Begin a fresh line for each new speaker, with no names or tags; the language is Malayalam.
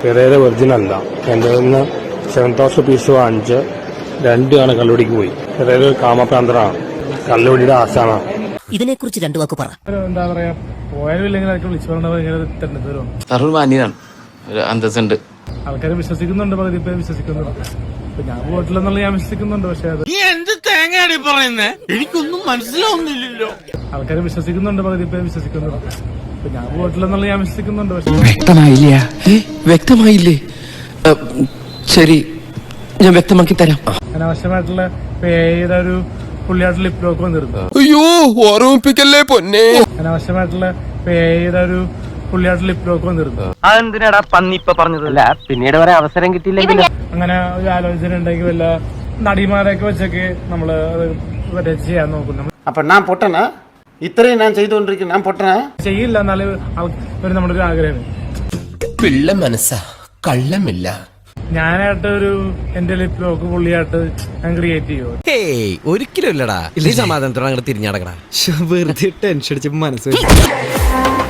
പെരേര ഒറിജിനൽ അല്ല. എൻ്റെ നിന്ന് 7,000 പീസ് വാങ്ങിച്ച് 2 ആണ് കള്ളുപിടിക്ക് പോയി. പെരേര ഒരു കാമപ്രാന്തനാണ്, കള്ളുപിടിയുടെ ആശാനാണ്.
ഇതിനെക്കുറിച്ച് 2 വാക്ക് പറ.
എന്താ പറയാ, പോയാലും ഇല്ലെങ്കിൽ ആർക്കും വിളിച്ചു പറഞ്ഞ
മാന്യനാണ്, ഒരു അന്തസ്സുണ്ട്.
ആൾക്കാരെ വിശ്വസിക്കുന്നുണ്ട്, പകുതി പേര് വിശ്വസിക്കുന്നുണ്ട്. ഞാൻ പോയിട്ടില്ലെന്നുള്ള ഞാൻ വിശ്വസിക്കുന്നുണ്ട്. പക്ഷെ അത്
എന്ത് തേങ്ങയാണ് പറയുന്നേ, എനിക്കൊന്നും മനസ്സിലാവുന്നില്ലല്ലോ.
ആൾക്കാരെ വിശ്വസിക്കുന്നുണ്ട്, പകുതി പേര് വിശ്വസിക്കുന്നുണ്ട്. ഞാൻ പോയിട്ടില്ലെന്നുള്ള ഞാൻ വിശ്വസിക്കുന്നുണ്ട്. പക്ഷെ
വ്യക്തമായില്ലേ? ശരി, ഞാൻ വ്യക്തമാക്കി തരാം.
അനാവശ്യമായിട്ടുള്ള പേയുടെ ഒരു പുള്ളിയായിട്ട് ലിപ് ലോക്ക് വന്നിരുന്നു.
അയ്യോ, ഓർമ്മിപ്പിക്കല്ലേ പൊന്നെ.
അനാവശ്യമായിട്ടുള്ള പേയുടെ ഒരു പുള്ളിയായിട്ട് ലിപ് ലോക്ക് വന്നിരുന്നു.
അതെന്തിനാടാ പന്നി ഇപ്പൊ പറഞ്ഞതല്ല, പിന്നീട് വരെ അവസരം കിട്ടിയില്ലെങ്കിൽ
അങ്ങനെ ഒരു ആലോചന ഉണ്ടെങ്കിൽ വല്ല നടിമാരെയൊക്കെ വെച്ചൊക്കെ നമ്മള് അത് ചെയ്യാൻ നോക്കും.
അപ്പൊ ഞാൻ പൊട്ടനാ? ഇത്രയും ഞാൻ ചെയ്തുകൊണ്ടിരിക്കും, ഞാൻ പൊട്ടനാ?
ചെയ്യില്ല, എന്നാലും നമ്മുടെ ഒരു ആഗ്രഹം.
പിള്ള മനസ്സാ, കള്ളമില്ല.
ഞാനായിട്ട് ഒരു എന്റെ ലിപ് ലോക്ക് പുള്ളിയായിട്ട് ഞാൻ ക്രിയേറ്റ് ചെയ്യുമോ?
ഒരിക്കലും ഇല്ലടാ. ഈ സമാധാനത്തോടെ അങ്ങോട്ട് തിരിഞ്ഞടക്കടാ. വെറുതെ ടെൻഷൻ അടിച്ച് മനസ്സ്